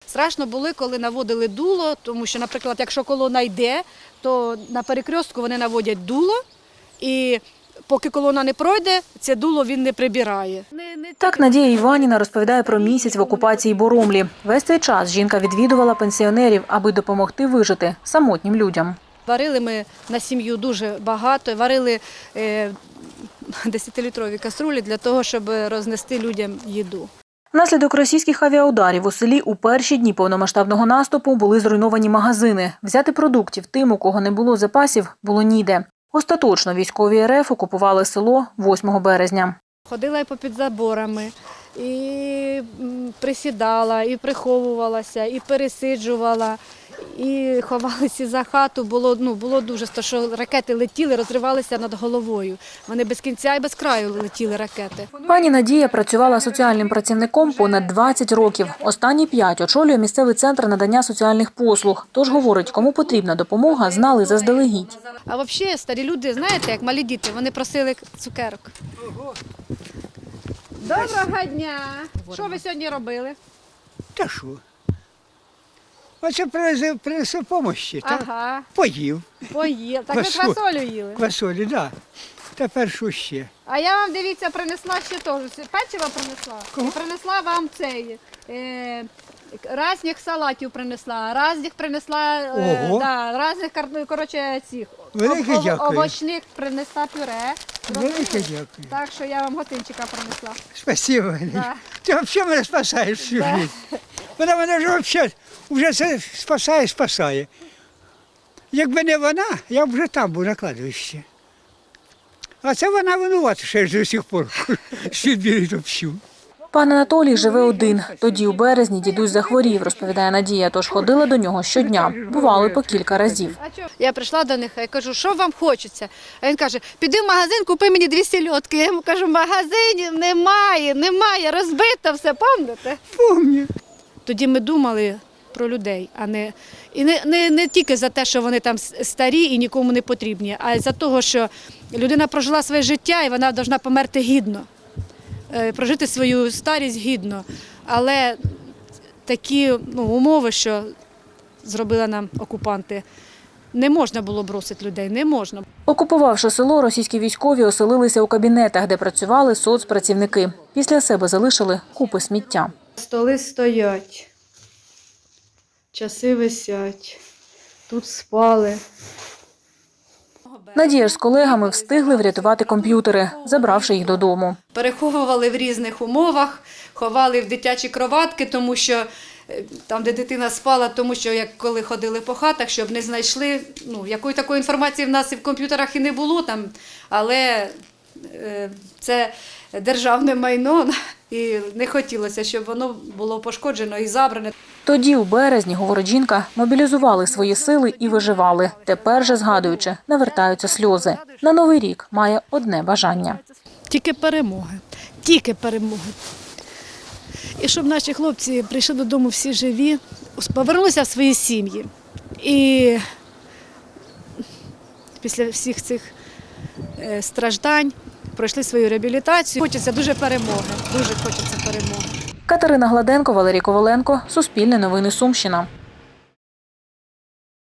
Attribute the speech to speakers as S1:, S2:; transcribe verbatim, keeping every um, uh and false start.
S1: Страшно було, коли наводили дуло, тому що, наприклад, якщо колона йде, то на перекрестку вони наводять дуло, і поки колона не пройде, це дуло він не прибирає.
S2: Так Надія Іванівна розповідає про місяць в окупації Боромлі. Весь цей час жінка відвідувала пенсіонерів, аби допомогти вижити самотнім людям.
S1: Варили ми на сім'ю дуже багато, варили десятилітрові каструлі для того, щоб рознести людям їду.
S2: Внаслідок російських авіаударів у селі у перші дні повномасштабного наступу були зруйновані магазини. Взяти продуктів тим, у кого не було запасів, було ніде. Остаточно військові РФ окупували село восьмого березня.
S1: Ходила і попід заборами, і присідала, і приховувалася, і пересиджувала, і ховалися за хату. Було, ну, було дуже, то, що ракети летіли, розривалися над головою. Вони без кінця і без краю летіли ракети.
S2: Пані Надія працювала соціальним працівником понад двадцять років. Останні п'ять очолює місцевий центр надання соціальних послуг. Тож, говорить, кому потрібна допомога, знали заздалегідь.
S1: А взагалі старі люди, знаєте, як малі діти, вони просили цукерок. Доброго дня! Що ви сьогодні робили?
S3: Та що? Оце принесу, принесу помощі, так?
S1: Ага,
S3: Поїв.
S1: поїли. Так ви
S3: Квасоль.
S1: квасолю їли.
S3: Квасолі, так. Да. Тепер що ще?
S1: А я вам, дивіться, принесла ще теж. Печиво принесла.
S3: Кого?
S1: І принесла вам цей, е, разних салатів принесла, разних принесла, е,
S3: Ого.
S1: да, разних, кар- коротше, цих,
S3: Велике
S1: ов- ов-
S3: дякую.
S1: овочних принесла пюре.
S3: Велике дякую.
S1: Так що я вам готинчика принесла.
S3: Спасибо.
S1: Да.
S3: Ти взагалі мене спасаєш всю
S1: Да.
S3: життя. Вона мене вже взагалі вже це спасає, спасає. Якби не вона, я б вже там був на кладовищі. А це вона винувата, що я ж до сих пор відбірю топчу.
S2: Пан Анатолій живе один. Тоді у березні дідусь захворів, розповідає Надія, тож ходила до нього щодня. Бували по кілька разів.
S1: Я прийшла до них, я кажу, що вам хочеться? А він каже, піди в магазин, купи мені дві сільотки. Я йому кажу, магазинів немає, немає, розбито все, пам'ятаєте?
S3: Помню.
S1: Тоді ми думали про людей, а не, і не, не, не тільки за те, що вони там старі і нікому не потрібні, а й за того, що людина прожила своє життя і вона повинна померти гідно, е, прожити свою старість гідно. Але такі ну, умови, що зробили нам окупанти, не можна було бросити людей, не можна.
S2: Окупувавши село, російські військові оселилися у кабінетах, де працювали соцпрацівники. Після себе залишили купи сміття.
S1: Столи стоять, часи висять, тут спали.
S2: Надія ж з колегами встигли врятувати комп'ютери, забравши їх додому.
S1: Переховували в різних умовах, ховали в дитячі кроватки, тому що е, там, де дитина спала, тому що як коли ходили по хатах, щоб не знайшли, ну, якої такої інформації в нас і в комп'ютерах і не було там, але е, це державне майно, і не хотілося, щоб воно було пошкоджено і забране.
S2: Тоді, у березні, говорить жінка, мобілізували свої сили і виживали. Тепер же, згадуючи, навертаються сльози. На Новий рік має одне бажання.
S1: Тільки перемоги, тільки перемоги. І щоб наші хлопці прийшли додому всі живі, повернулися в свої сім'ї. І після всіх цих е, страждань пройшли свою реабілітацію. Хочеться дуже перемоги, дуже хочеться перемоги.
S2: Катерина Гладенко, Валерій Коваленко, Суспільне новини Сумщина.